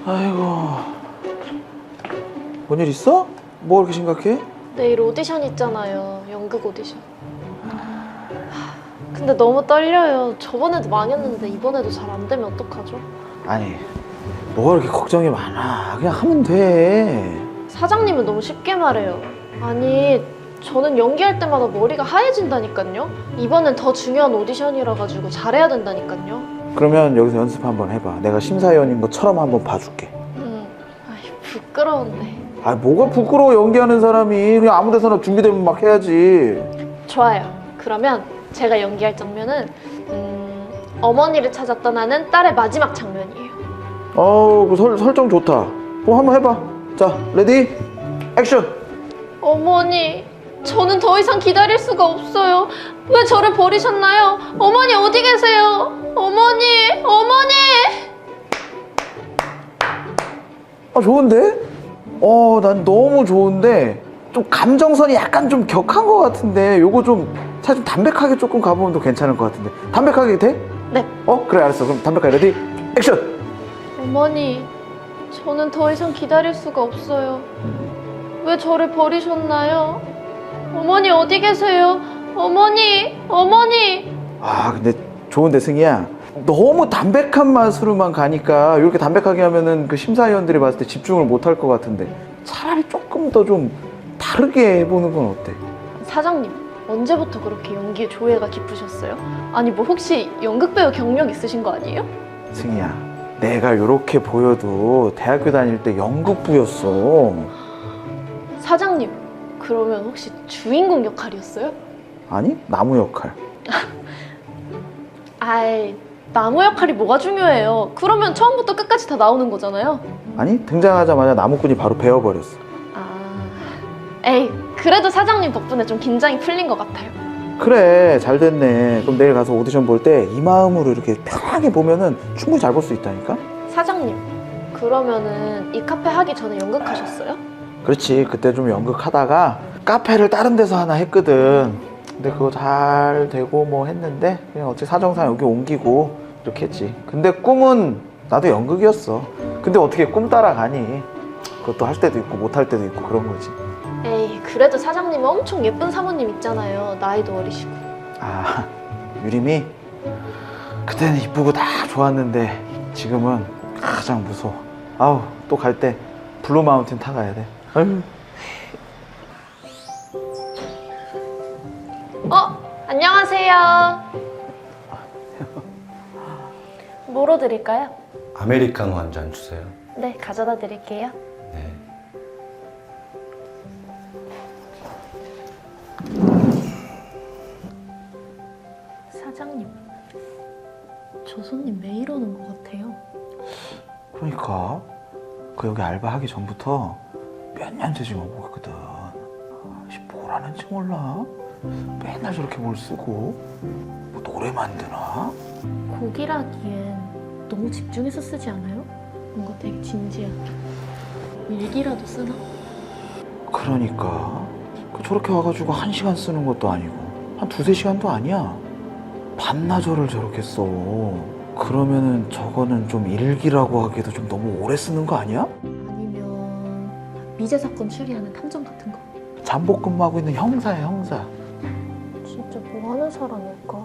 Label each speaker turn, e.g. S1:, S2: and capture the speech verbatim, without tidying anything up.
S1: 아이고, 뭔 일 있어? 뭐 그렇게 심각해?
S2: 내일 오디션 있잖아요. 연극 오디션. 근데 너무 떨려요. 저번에도 망했는데 이번에도 잘 안 되면 어떡하죠?
S1: 아니, 뭐가 그렇게 걱정이 많아. 그냥 하면 돼.
S2: 사장님은 너무 쉽게 말해요. 아니, 저는 연기할 때마다 머리가 하얘진다니까요. 이번엔 더 중요한 오디션이라 가지고 잘해야 된다니까요.
S1: 그러면 여기서 연습 한번 해봐. 내가 심사위원인 것처럼 한번 봐줄게.
S2: 음, 아이, 부끄러운데.
S1: 아, 뭐가 부끄러워. 연기하는 사람이. 그냥 아무 데서나 준비되면 막 해야지.
S2: 좋아요. 그러면 제가 연기할 장면은 음, 어머니를 찾아 떠나는 딸의 마지막 장면이에요.
S1: 어우, 그 설, 설정 좋다. 그럼 한번 해봐. 자, 레디, 액션!
S2: 어머니, 저는 더 이상 기다릴 수가 없어요. 왜 저를 버리셨나요? 어머니 어디 계세요? 어머니, 어머니!
S1: 아, 좋은데? 어, 난 너무 좋은데 좀 감정선이 약간 좀 격한 것 같은데 요거 좀 사실 좀 담백하게 조금 가보면 더 괜찮을 것 같은데 담백하게 돼?
S2: 네.
S1: 어? 그래, 알았어. 그럼 담백하게 레디, 액션!
S2: 어머니, 저는 더 이상 기다릴 수가 없어요. 왜 저를 버리셨나요? 어머니 어디 계세요? 어머니, 어머니!
S1: 아, 근데 좋은데 승희야, 너무 담백한 맛으로만 가니까 이렇게 담백하게 하면은 그 심사위원들이 봤을 때 집중을 못 할 것 같은데 차라리 조금 더 좀 다르게 해보는 건 어때?
S2: 사장님, 언제부터 그렇게 연기에 조예가 깊으셨어요? 아니 뭐 혹시 연극배우 경력 있으신 거 아니에요?
S1: 승희야, 내가 이렇게 보여도 대학교 다닐 때 연극부였어.
S2: 사장님, 그러면 혹시 주인공 역할이었어요?
S1: 아니, 나무 역할.
S2: 아이, 나무 역할이 뭐가 중요해요? 그러면 처음부터 끝까지 다 나오는 거잖아요.
S1: 아니, 등장하자마자 나무꾼이 바로 베어버렸어.
S2: 아, 에이, 그래도 사장님 덕분에 좀 긴장이 풀린 것 같아요.
S1: 그래, 잘 됐네. 그럼 내일 가서 오디션 볼 때 이 마음으로 이렇게 편하게 보면은 충분히 잘 볼 수 있다니까?
S2: 사장님, 그러면은 이 카페 하기 전에 연극하셨어요?
S1: 그렇지, 그때 좀 연극하다가 카페를 다른 데서 하나 했거든. 근데 그거 잘 되고 뭐 했는데 그냥 어차피 사정상 여기 옮기고 이렇게 했지. 근데 꿈은 나도 연극이었어. 근데 어떻게 꿈 따라가니? 그것도 할 때도 있고 못 할 때도 있고 그런 거지.
S2: 에이, 그래도 사장님은 엄청 예쁜 사모님 있잖아요. 나이도 어리시고.
S1: 아, 유림이? 그때는 이쁘고 다 좋았는데 지금은 가장 무서워. 아우, 또 갈 때 블루 마운틴 타가야 돼. 아유.
S2: 어? 안녕하세요. 뭐로 드릴까요?
S3: 아메리카노 한 잔 주세요.
S2: 네, 가져다 드릴게요.
S3: 네.
S2: 사장님, 저 손님 매일 오는 것 같아요.
S1: 그러니까 그 여기 알바하기 전부터 몇 년째 지금 오고 있거든. 아씨, 뭘 하는지 몰라. 맨날 저렇게 뭘 쓰고 뭐 노래 만드나?
S2: 곡이라기엔 너무 집중해서 쓰지 않아요? 뭔가 되게 진지하게. 일기라도 쓰나?
S1: 그러니까 그 저렇게 와가지고 한 시간 쓰는 것도 아니고 한 두세 시간도 아니야. 반나절을 저렇게 써. 그러면은 저거는 좀 일기라고 하기에도 좀 너무 오래 쓰는 거 아니야?
S2: 아니면 미제 사건 추리하는 탐정 같은 거?
S1: 잠복 근무하고 있는 형사야, 형사.
S2: 진짜 뭐 하는 사람일까?